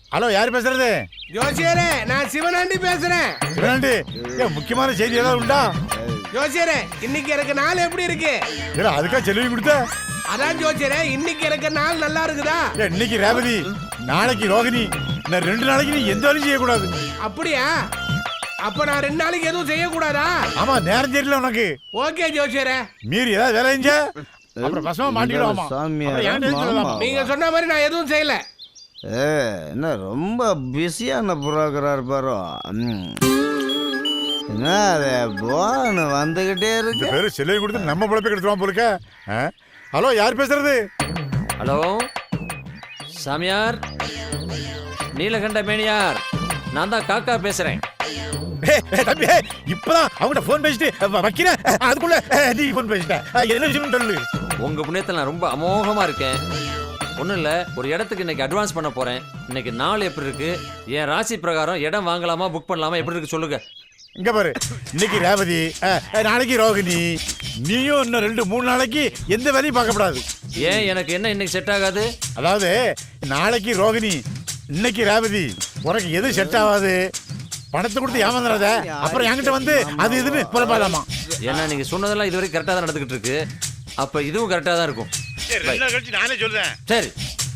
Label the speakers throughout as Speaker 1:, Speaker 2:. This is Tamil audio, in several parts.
Speaker 1: ஹலோ, யார் பேசுறது?
Speaker 2: ஜோசியரே, நான் சிவனாண்டி பேசுறேன்.
Speaker 1: சிவனாண்டி, முக்கியமான செய்தி ஏதாவது உண்டா?
Speaker 2: ஜோசியரே, இன்னைக்கு எனக்கு நாள் எப்படி இருக்கு?
Speaker 1: அதுக்கா செலவு கொடுத்த?
Speaker 2: அதான் ஜோசியரே, இன்னைக்கு எனக்கு நாள் நல்லா இருக்குதா?
Speaker 1: இன்னைக்கு ரேவதி, நாளைக்கு ரோகிணி, நான் 2 நாளைக்கு நீ எந்த வேலையும் செய்யக்கூடாது.
Speaker 2: அப்படியா? அப்ப நான் 2 நாளைக்கு எதுவும் செய்யக்கூடாதா?
Speaker 1: ஆமா, நேரம் தெரியல உனக்கு.
Speaker 2: ஓகே ஜோசியரே.
Speaker 1: மீறி ஏதாவது வேலை செஞ்ச அப்புறம் பசமா மாட்டிடுவாமா.
Speaker 2: நீங்க சொன்ன மாதிரி நான் எதுவும் செய்யல.
Speaker 3: என்ன ரொம்ப பிஸியான புரோக்கரா இருப்பாரோ? என்ன அது போன் வந்துகிட்டே இருக்கு.
Speaker 1: பேரு செலவு கொடுத்து நம்ம பொழப்பை கெடுத்துருவான் போலுக்க. ஹலோ, யார் பேசுறது?
Speaker 4: ஹலோ சாமியார், நீலகண்ட மேனியார், நான் தான் காக்கா பேசுறேன்.
Speaker 1: தம்பி, இப்பதான் அவங்ககிட்ட போன் பேசிட்டு வைக்கிறேன், அதுக்குள்ள நீ போன் பேசிட்ட. என்ன விஷயம் சொல்லு.
Speaker 4: உங்க புண்ணியத்தில் நான் ரொம்ப அமோகமா இருக்கேன். ஒன்றும் இல்லை, ஒரு இடத்துக்கு இன்னைக்கு அட்வான்ஸ் பண்ண போறேன். இன்னைக்கு நாள் எப்படி இருக்கு? என் ராசி பிரகாரம் இடம் வாங்கலாமா புக் பண்ணலாமா எப்படி இருக்கு சொல்லுங்க.
Speaker 1: இங்க பாரு, இன்னைக்கு ரேவதி, நாளைக்கு ரோகிணி, நீயும் இன்னும் 2-3 நாளைக்கு எந்த வேலையும் பார்க்கப்படாது.
Speaker 4: ஏன், எனக்கு என்ன இன்னைக்கு செட் ஆகாது?
Speaker 1: அதாவது நாளைக்கு ரோகிணி, இன்னைக்கு ரேவதி, உனக்கு எது செட் ஆகாது? பணத்தை கொடுத்து ஏமாந்துடாத, அப்புறம் என்கிட்ட வந்து அது இதுன்னு புலப்பாதாமா.
Speaker 4: ஏன்னா நீங்க சொன்னதெல்லாம் இதுவரைக்கும் கரெக்டாக தான் நடந்துகிட்டு இருக்கு. அப்ப இதுவும் கரெக்டாக தான் இருக்கும்.
Speaker 1: நானே சொல்றேன்.
Speaker 4: சரி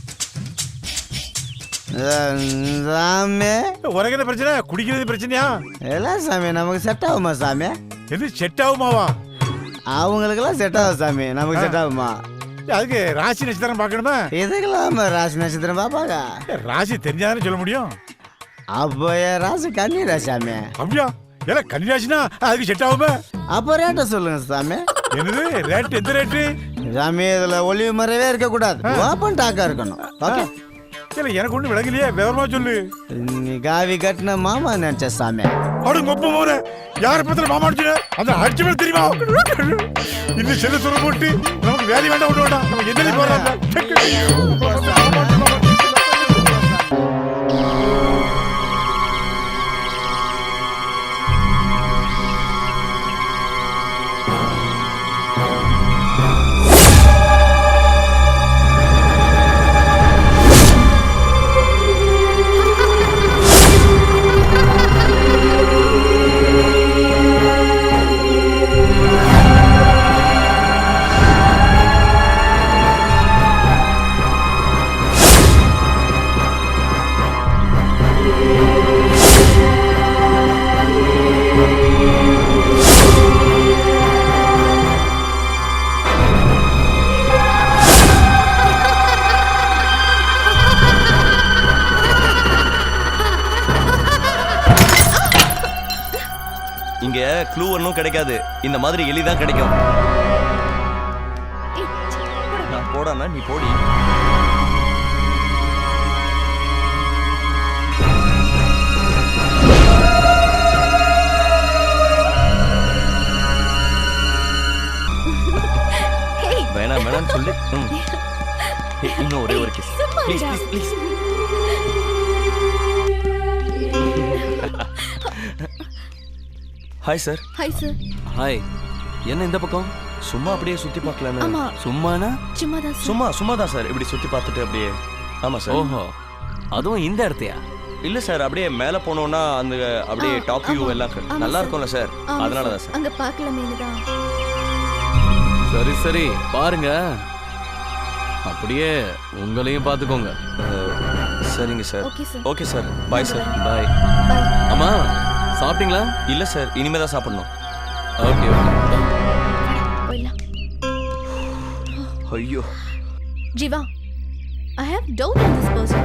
Speaker 3: சாமி,
Speaker 1: உனக்கு என்ன பிரச்சனை? குடிக்கிறது பிரச்சனையா?
Speaker 3: எல்லாம் சாமி நமக்கு செட் ஆகுமா சாமி?
Speaker 1: எது செட் ஆகுமாவா?
Speaker 3: அவங்களுக்கெல்லாம் செட் ஆகும் சாமி, நமக்கு செட் ஆகுமா?
Speaker 1: அதுக்கு ராசி நட்சத்திரம் பார்க்கணுமா?
Speaker 3: இதுக்கெல்லாம் ராசி நட்சத்திரம் பாப்பாங்க.
Speaker 1: ராசி தெரிஞ்சாதானே சொல்ல முடியும்.
Speaker 3: அப்போ என் ராசி கன்னிரா சாமி.
Speaker 1: அப்படியா? ஏன்னா கன்னிராசினா அதுக்கு செட் ஆகுமா?
Speaker 3: அப்போ ரேட்டை சொல்லுங்க சாமி.
Speaker 1: என்னது ரேட்? எந்த ரேட்டு
Speaker 3: சாமி? இதுல ஒளிவு மறைவே இருக்க கூடாது, ஓப்பன் டாக்கா இருக்கணும். ஓகே?
Speaker 1: இல்ல, எனக்கு ஒண்ணு விளங்கலையே, விவரமா சொல்லு.
Speaker 3: நீ காவி கட்டின மாமா நினைச்ச சாமி.
Speaker 1: அடுங்க ஒப்ப போற யார பத்திர மாமா அடிச்சு அந்த அடிச்சு மேல தெரியுமா? இன்னும் செல்ல சொல்ல போட்டு நமக்கு வேலை வேண்டாம், ஒண்ணு வேண்டாம், நம்ம எதிரி போறாங்க.
Speaker 5: இங்க க்ளூ ஒன்றும் கிடைக்காது, இந்த மாதிரி எலிதான் கிடைக்கும். நான் போடானா நீ போடி. வேணாம் வேணாம்னு சொல்லு. இன்னும் ஒரே ஒரு kiss please please please. Hi sir.
Speaker 6: Hi sir.
Speaker 5: Hi. என்ன இந்த பக்கம்? சும்மா அப்படியே சுத்தி பார்க்கலான்னு.
Speaker 6: ஆமா.
Speaker 5: சும்மானா?
Speaker 6: சும்மா
Speaker 5: தான் சார், இப்படி சுத்தி பார்த்துட்டு அப்படியே. ஆமா சார்.
Speaker 4: ஓஹோ, அதுவும் இந்த இடத்தையா?
Speaker 5: இல்ல சார், அப்படியே மேல போனோம்னா அந்த அப்படியே டாப் வியூ எல்லாம் நல்லா இருக்கும்ல சார், அதனால தான் சார்.
Speaker 6: அங்க பார்க்கலாமேனுதான்.
Speaker 4: சரி சரி பாருங்க, அப்படியே உங்களையும் பார்த்துக்கோங்க.
Speaker 5: சரிங்க sir.
Speaker 6: Okay sir.
Speaker 5: Okay sir, bye sir.
Speaker 4: Bye.
Speaker 6: Bye.
Speaker 4: அம்மா சாப்பிட்டீங்களா?
Speaker 5: இல்ல சார், இனிமே தான் சாப்பிடணும்.
Speaker 4: Okay okay.
Speaker 6: போயிடலாம்.
Speaker 5: ஐயோ
Speaker 6: Jeeva, I have doubt on this person.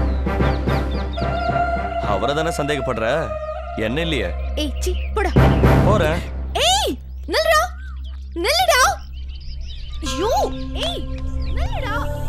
Speaker 5: அவரை தானே சந்தேகப்படுற, என்ன இல்லையே?
Speaker 6: ஏய் சி போடா.
Speaker 5: போறேன்.
Speaker 6: ஏய் நில்லுடா, நில்லுடா. ஐயோ ஏய் நில்லுடா.